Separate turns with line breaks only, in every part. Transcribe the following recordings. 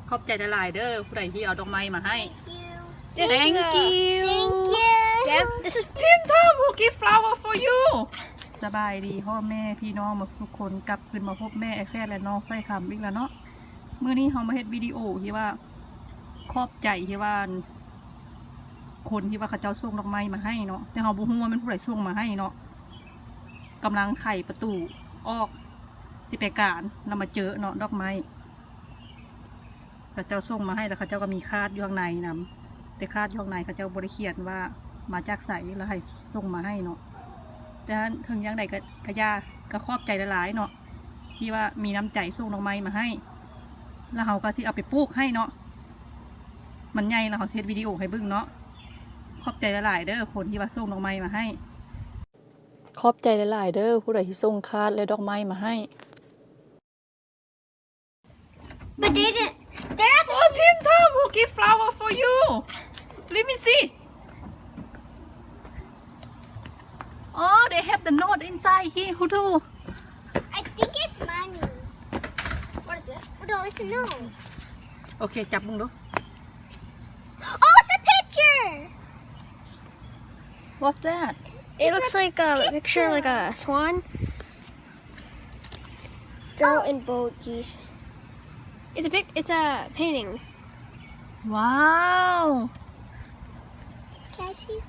ขอบใจหลายๆเด้อผู้ใดที่เอาดอกไม้มาให้
This
Thank
is,
you
Thank you. Dad, this is
Tim Tom who give flower for you สบายดีพ่อแม่พี่น้องมาทุกคนกลับขึ้นมาพบแม่ไอแฟนและน้องไส้คำอีกแล้วเนาะมื้อนี้เรามาเฮ็ดวิดีโอที่ว่าขอบใจที่ว่าคนที่ว่าเขาเจ้าส่งดอกไม้มาให้เนาะแต่เราบ่ฮู้ว่ามันผู้ใดส่งมาให้เนาะกำลังไขประตูออกสิไปการเรามาเจอเนาะดอกไม้เขาเจ้าส่งมาให้แล้วเขาเจ้าก็มีคาดอยู่ข้างในนำแต่คาดอยู่ข้างในเขาเจ้าบริเขียนว่ามาจากไสแล้วให้ส่งมาให้เนาะแต่ถึงยังใดก็ยาก็ขอบใจหลายๆเนาะที่ว่ามีน้ำใจส่งดอกไม้มาให้แล้วเขาก็สิเอาไปปลูกให้เนาะมันใหญ่แล้วเขาเซตวิดีโอให้เบิ่งเนาะขอบใจหลายๆเด้อคนที่ว่าส่งดอกไม้มาให้ขอบใจหลายๆเด้อผู้ใดที่ส่งคาดและดอกไม้มาให้
But they didn't. They're at the
Oh, Tim Tom who give flower for you. Let me see. Oh, they have the note inside here. Who do?
I think it's money. What is it? Oh, no, it's a no.
Okay, จับมึงดู
Oh, it's a picture.
What's that?
It looks like a picture, like a swan. Girl in boat, geez. It's a painting.
Wow.
Can I see?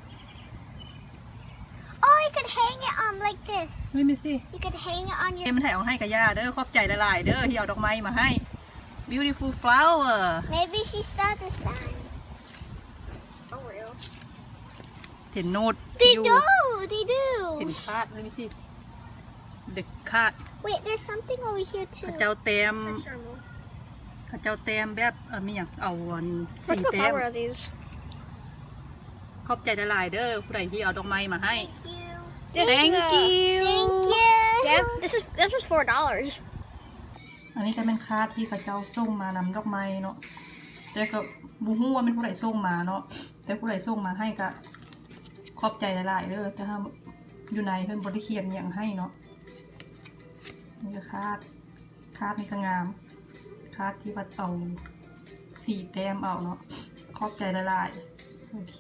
Oh, you could hang it on like this.
Let me see.
You could hang it on
เอ็
your.
มันถ่ายเอาให้กับย่าเด้อขอบใจหลายๆเด้อที่เอาดอกไม้มาให้ Beautiful flower.
Maybe she saw this time. Oh, real.
เห็นโน้ต
They
อยู่
do. They
เห็น
do.
คาด Let me see. The คาด
Wait, there's something over here
เขา
too.
เจ้าเต็ม
That's normal.
เขาเจ้าเต็มแบบมีอย่างเอาอันสี
Let's go
เต็ม
flower of these.
ขอบใจหลายๆเด้อผู้ใดที่เอาดอกไม้มาให้
Thank you.
Thank you
Thank you.
Dad, this was $4.
อันนี้ก็เป็นคาดที่เขาเจ้าส่งมานำดอกไม้เนาะแต่ก็บูฮู้ว่าเป็นผู้ใดส่งมาเนาะแต่ผู้ใดส่งมาให้ก็ขอบใจหลายๆเด้อแต่ถ้าอยู่ในเพิ่นบริเขียนอย่างให้เนาะนี่ก็คาดนี่ก็งามคาดที่วัดเอาสีแต้มเอาเนาะขอบใจหลายๆโอเค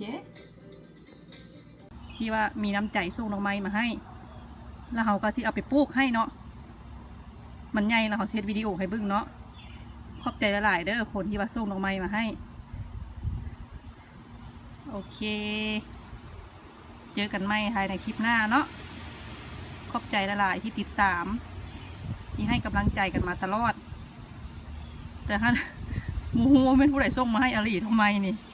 ที่ว่ามีน้ำใจส่งดอกไม้มาให้แล้วเขาก็สิเอาไปปลูกให้เนาะมันใหญ่แล้วเขาเซตวิดีโอให้เบิ่งเนาะขอบใจหลายๆเด้อคนที่ว่าส่งดอกไม้มาให้โอเคเจอกันใหม่ภายในคลิปหน้าเนาะขอบใจหลายๆที่ติดตามที่ให้กำลังใจกันมาตลอดแต่ถ้ามูฮูว่าเป็นผู้ใดส่งมาให้อลีทำไมนี่